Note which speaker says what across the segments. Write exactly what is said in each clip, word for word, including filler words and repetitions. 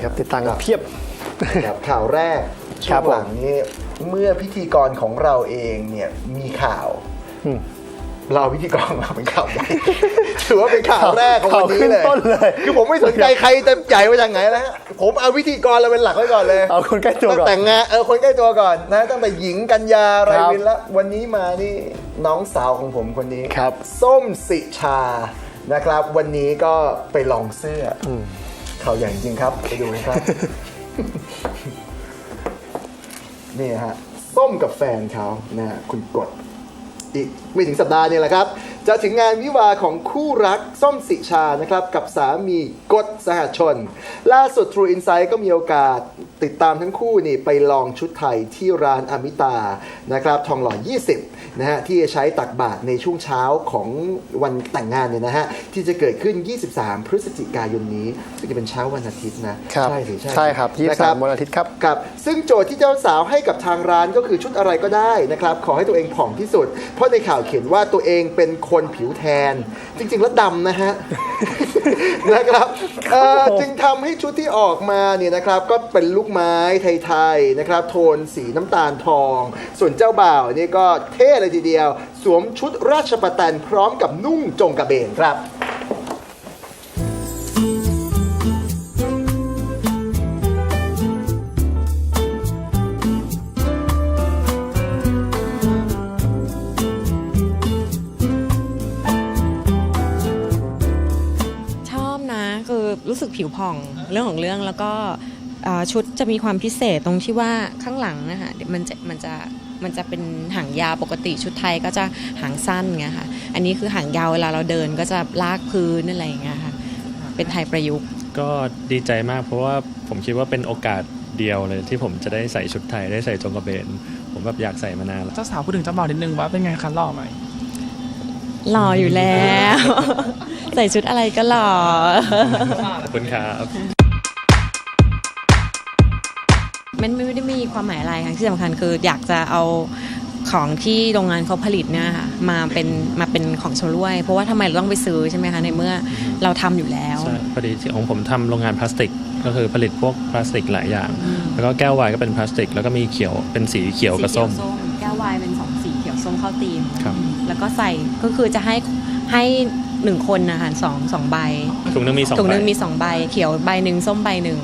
Speaker 1: ครับติดตามกันเพียบ
Speaker 2: กับข่าวแรกช่วงหลังนี้เมื่อพิธีกรของเราเองเนี่ยมีข่าวเราพิธีกรมาเป็นข่าวใหญ่ถือว่าเป็นข่าวแรกของวันนี้เลยคือผมไม่สนใจใครจะใหญ่มาจากไหนแล้วผมเอาพิธีกรเราเป็นหลักไว้ก่อนเลย
Speaker 1: เอาคนใกล้ตัวก่อน
Speaker 2: แต่งงานเออคนใกล้ตัวก่อนนะตั้งแต่หญิงกัญญาไรวินแล้ววันนี้มานี่น้องสาวของผมคนนี้ส้มสิชานะครับวันนี้ก็ไปลองเสื้อข่าวใหญ่จริงครับไปดูครับนี่ฮะส้มกับแฟนเขานะคุณกดอีกไม่ถึงสัปดาห์นี่แหละครับจะถึงงานวิวาของคู่รักส้มสิชานะครับกับสามีกฎสหชนล่าสุด True Insight ก็มีโอกาสติดตามทั้งคู่นี่ไปลองชุดไทยที่ร้านอมิตานะครับทองหล่อยี่สิบนะฮะที่จะใช้ตักบาตรในช่วงเช้าของวันแต่งงานเนี่ยนะฮะที่จะเกิดขึ้นยี่สิบสามพฤศจิกายนนี้ซึ่งจะเป็นเช้าวันอาทิตย์นะ
Speaker 1: ใช่สิใช่ครับยี่สิบสามวันอาทิตย์ครับ
Speaker 2: กับซึ่งโจทย์ที่เจ้าสาวให้กับทางร้านก็คือชุดอะไรก็ได้นะครับขอให้ตัวเองผ่องที่สุดเพราะในข่าวเขียนว่าตัวเองเป็นคนผิวแทนจริงๆแล้วดำนะฮะ นะครับจึงทำให้ชุดที่ออกมาเนี่ยนะครับก็เป็นลูกไม้ไทยๆนะครับโทนสีน้ำตาลทองส่วนเจ้าบ่าวนี่ก็เท่เลยทีเดียวสวมชุดราชประแตนพร้อมกับนุ่งจงกระเบนครับ
Speaker 3: รู้สึกผิวผ่องเรื่องของเรื่องแล้วก็ชุดจะมีความพิเศษตรงที่ว่าข้างหลังนะคะมันจะมันจะมันจะเป็นหางยาวปกติชุดไทยก็จะหางสั้นไงค่ะอันนี้คือหางยาวเวลาเราเดินก็จะลากพื้นอะไรอย่างเงี้ยค่ะเป็นไทยประยุกต์
Speaker 4: ก็ดีใจมากเพราะว่าผมคิดว่าเป็นโอกาสเดียวเลยที่ผมจะได้ใส่ชุดไทยได้ใส่จงกระเบนผมแบบอยากใส่มานานแล้ว
Speaker 5: เจ้าสาวพูดถึงเจ้าบ่าวนิดนึงว่าเป็นไงคะหล่อไหม
Speaker 3: หล่ออยู่แล้วใส่ชุดอะไรก็หล่อ
Speaker 4: ขอบคุณครับ
Speaker 3: มันไม่ได้มีความหมายอะไรค่ะที่สำคัญคืออยากจะเอาของที่โรงงานเขาผลิตเนี่ยค่ะมาเป็นมาเป็นของชำร่วยเพราะว่าทำไมเราต้องไปซื้อใช่ไหมคะในเมื่อเราทำอยู่แล้ว
Speaker 4: ใช่พอดีของผมทำโรงงานพลาสติกก็คือผลิตพวกพลาสติกหลายอย่างแล้วก็แก้วไวน์ก็เป็นพลาสติกแล้วก็มีเขียวเป็นสีเขียวกับส้ม
Speaker 3: แก้วไวน์เป็นสองสีเขียวส้มเข้าธีมแล้วก็ใส่ก็คือจะให้ให้หนึ่งคนนะคะสองสองใบ
Speaker 4: ถุงนึงมีสอง
Speaker 3: ถุงนึงมีสองใบเขียวใบหนึ่งส้มใบหนึ่ง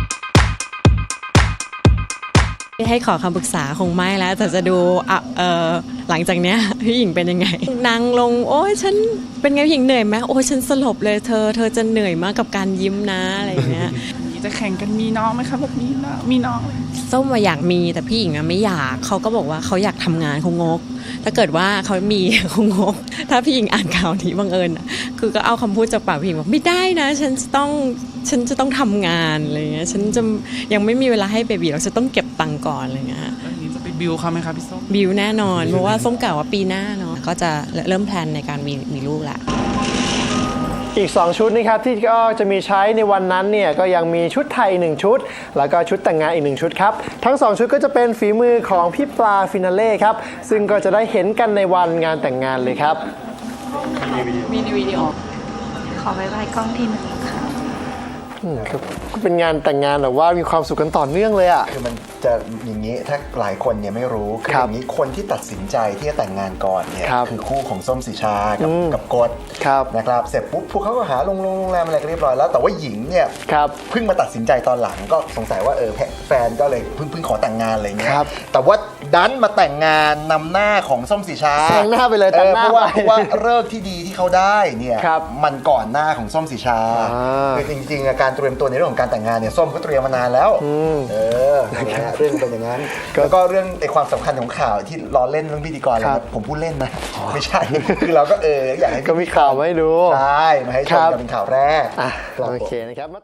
Speaker 3: ให้ขอคำปรึกษาคงไม่แล้วแต่จะดูเอ่อหลังจากเนี้ยพี่หญิงเป็นยังไงนางลงโอ้ยฉันเป็นไงพี่หญิงเหนื่อยไหมโอ้ยฉันสลบเลยเธอเธอจะเหนื่อยมากกับการยิ้มนะอะไรเงี้ย
Speaker 5: จะแข่งกันมีน้องไหมคะแบบมีน้องมีน้อง
Speaker 3: ส้มมาอยากมีแต่พี่หญิงไม่อยากเขาก็บอกว่าเขาอยากทำงานเขางกถ้าเกิดว่าเขามีเขางกถ้าพี่หญิงอ่านข่าวนี้บังเอิญคือก็เอาคำพูดจากปากพี่หญิงบอกไม่ได้นะฉันจะต้องฉันจะต้องทำงานอะไรเงี้ยฉันจะยังไม่มีเวลาให้เบบีเราจะต้องเก็บตังค์ก่อนอะไรเงี้ย
Speaker 5: นี้จะไปบิวเขาไหมคะพี่ส้ม
Speaker 3: บิวแน่นอนเพราะว่าส้มกล่าวว่าปีหน้าเนาะก็จะเริ่มแพลนในการมีมีลูกละ
Speaker 1: อีกสองชุดนะครับที่ก็จะมีใช้ในวันนั้นเนี่ยก็ยังมีชุดไทยหนึ่งชุดแล้วก็ชุดแต่งงานอีกหนึ่งชุดครับทั้งสองชุดก็จะเป็นฝีมือของพี่ปลาฟินาเล่ครับซึ่งก็จะได้เห็นกันในวันงานแต่งงานเลยครับ
Speaker 3: มีวิดีโอ
Speaker 6: ขอไว้ไว้กล้องทีนึงค่ะ
Speaker 1: ก็เป็นงานแต่งงานแบบว่ามีความสุขกันต่อเนื่องเลยอ่ะ
Speaker 2: คือมันจะอย่างนี้ถ้าหลายคนเนี่ยไม่รู้คืออย่างนี้คนที่ตัดสินใจที่จะแต่งงานก่อนเนี่ยคือคู่ของส้มสิชากับกับกฎนะครับเสร็จปุ๊บพวกเขาก็หาโรงแรมอะไรก็เรียบร้อยแล้วแต่ว่าหญิงเนี่ยเพิ่งมาตัดสินใจตอนหลังก็สงสัยว่าเออแฟนก็เลยเพิ่งเพิ่งขอแต่งงานอะไรเงี้ยแต่ว่าดันมาแต่งงานนำหน้าของส้มสิชา
Speaker 1: แต่งหน้าไปเลยแต่งหน้า
Speaker 2: เพราะว่าเพราะว่าเลิกที่ดีที่เขาได้เนี่ยมันก่อนหน้าของส้มสิชาคือจริงๆการเตรียมตัวในเรื่องของการแต่งงานเนี่ยส้มก็เตรียมมานานแล้วเออเรื่องเป็นอย่างนั้นแล้วก็เรื่องในความสำคัญของข่าวที่ล้อเล่นเรื่องพิธีกรแล้วผมพูดเล่นนะไม่ใช่คือเราก็เอออยากให้
Speaker 1: ก็มีข่าวมาให้ดู
Speaker 2: ใช่มาให้ชมกันเป็นข่าวแรก
Speaker 1: โอเคนะครับ